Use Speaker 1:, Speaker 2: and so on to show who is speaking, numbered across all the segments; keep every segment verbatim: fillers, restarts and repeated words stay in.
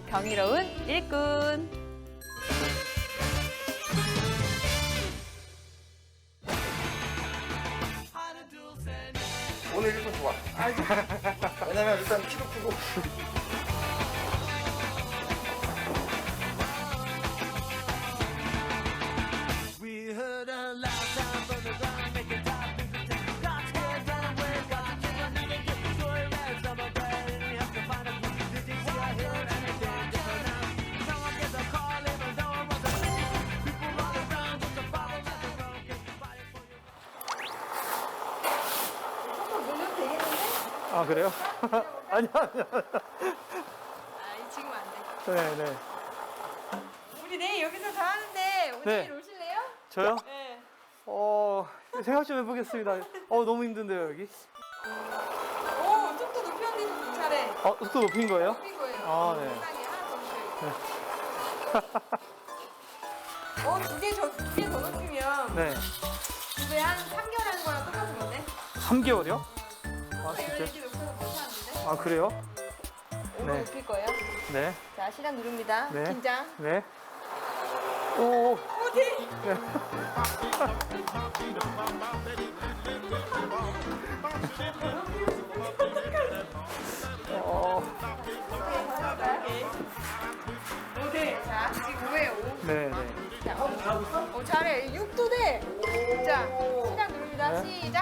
Speaker 1: 경이로운 일꾼.
Speaker 2: 오늘 일꾼 좋아. 왜냐면 일단 키도 크고.
Speaker 3: 아, 그래요? 아니야, 아니야.
Speaker 1: 아, 지금 안 돼.
Speaker 3: 네, 네.
Speaker 1: 우리 내일 여기서 다 하는데 오늘
Speaker 3: 네.
Speaker 1: 오실래요?
Speaker 3: 저요?
Speaker 1: 네.
Speaker 3: 어, 생각 좀 해보겠습니다. 어, 너무 힘든데요, 여기?
Speaker 1: 오, 속도 높였는데 좀 잘해.
Speaker 3: 어, 속도 높인 거예요?
Speaker 1: 높인 거예요.
Speaker 3: 아, 네.
Speaker 1: 세상에 하나 더 높여요. 어, 두 개, 저, 두 개 더 높이면
Speaker 3: 네.
Speaker 1: 두 배 한 삼 개월 하는 거랑 똑같은 건데?
Speaker 3: 삼 개월이요? 아,
Speaker 1: 이걸
Speaker 3: 진짜?
Speaker 1: 이렇게 높여서 못하는데?
Speaker 3: 아, 그래요?
Speaker 1: 오늘
Speaker 3: 네.
Speaker 1: 높일 거예요.
Speaker 3: 네.
Speaker 1: 자, 시작 누릅니다.
Speaker 3: 네.
Speaker 1: 긴장.
Speaker 3: 네. 오,
Speaker 1: 어디?
Speaker 3: 네. 어,
Speaker 1: 오케이. 자, 지금 오예요, 오.
Speaker 3: 네, 네.
Speaker 1: 자, 어, 어, 잘해. 육도 돼. 자, 시작 누릅니다.
Speaker 3: 네.
Speaker 1: 시작.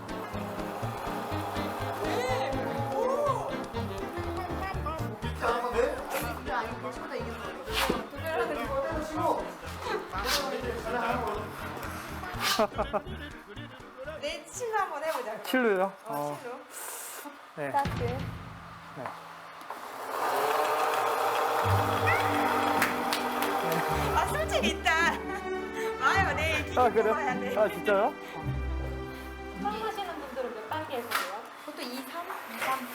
Speaker 2: 잘하는데?
Speaker 1: 이거 아니고 벌써부터 이기는 거예요. 도전을 하고 내 칠로 한번 해보자.
Speaker 3: 킬로요?
Speaker 1: 어,
Speaker 3: 어,
Speaker 1: 칠로.
Speaker 3: 네.
Speaker 1: 스타트.
Speaker 3: 네.
Speaker 1: 아, 솔직히 있다. 와요, 내일 기분
Speaker 3: 아, 그래요?
Speaker 1: 뽑아야 돼.
Speaker 3: 아, 진짜요?
Speaker 4: 처음 하시는 분들은 몇 단계에서 해요?
Speaker 1: 그것도 이, 삼? 이, 삼.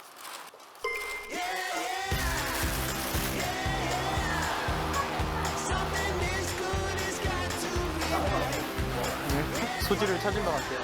Speaker 3: 네. 소질을 찾은 것 같아요.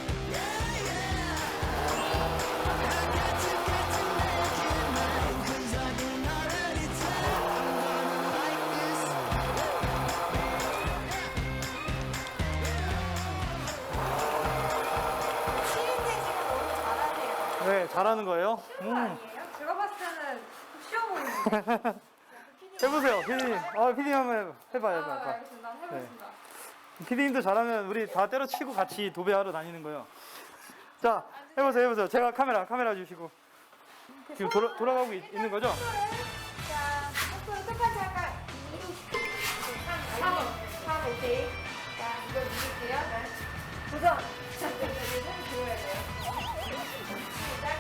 Speaker 1: 쉬운데 지금 너무 잘하세요.
Speaker 3: 네, 잘하는 거예요?
Speaker 1: 쉬운 거
Speaker 3: 음.
Speaker 1: 아니에요? 제가 봤을 때는 쉬워 보이는데.
Speaker 3: 해보세요, 피디님. 아, 피디님 한번 해봐요,
Speaker 1: 아,
Speaker 3: 해봐요.
Speaker 1: 알겠습니다. 해보겠습니다.
Speaker 3: 피디님도 잘하면 우리 다 때려치고 같이 도배하러 다니는 거예요. 자, 해보세요, 해보세요. 제가 카메라, 카메라 주시고. 지금 돌아, 돌아가고 있, 있는 거죠?
Speaker 1: 자, 속도를 똑같이 할까? 이, 삼, 삼, 오케이. 자, 이거 누를게요. 도전! 자, 이거 들어야 돼요. 시작.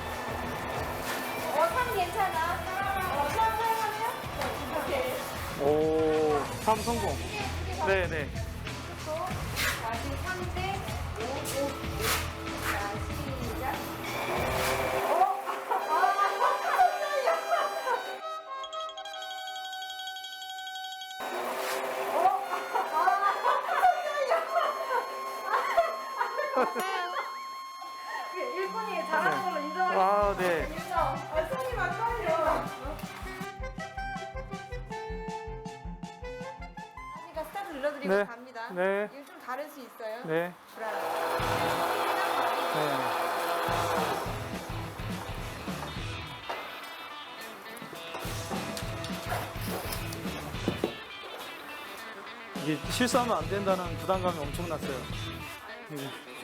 Speaker 1: 어, 삼 괜찮아. 어, 삼 사용하면? 오케이.
Speaker 3: 오, 삼 성공.
Speaker 1: 네.
Speaker 3: 네네.
Speaker 1: 자, 지금 삼 대 오, 오. 자, 시작. 어? 일본이 잘하는 걸로 인정하시죠?
Speaker 3: 아, 네.
Speaker 1: 인정. 아, 손이 막 떨려. 아니까 스타트 눌러드리고
Speaker 3: 네.
Speaker 1: 갑니다.
Speaker 3: 네.
Speaker 1: 이거 좀 다를 수 있어요.
Speaker 3: 네.
Speaker 1: 불안해.
Speaker 3: 네. 이게 실수하면 안 된다는 부담감이 엄청났어요. 네.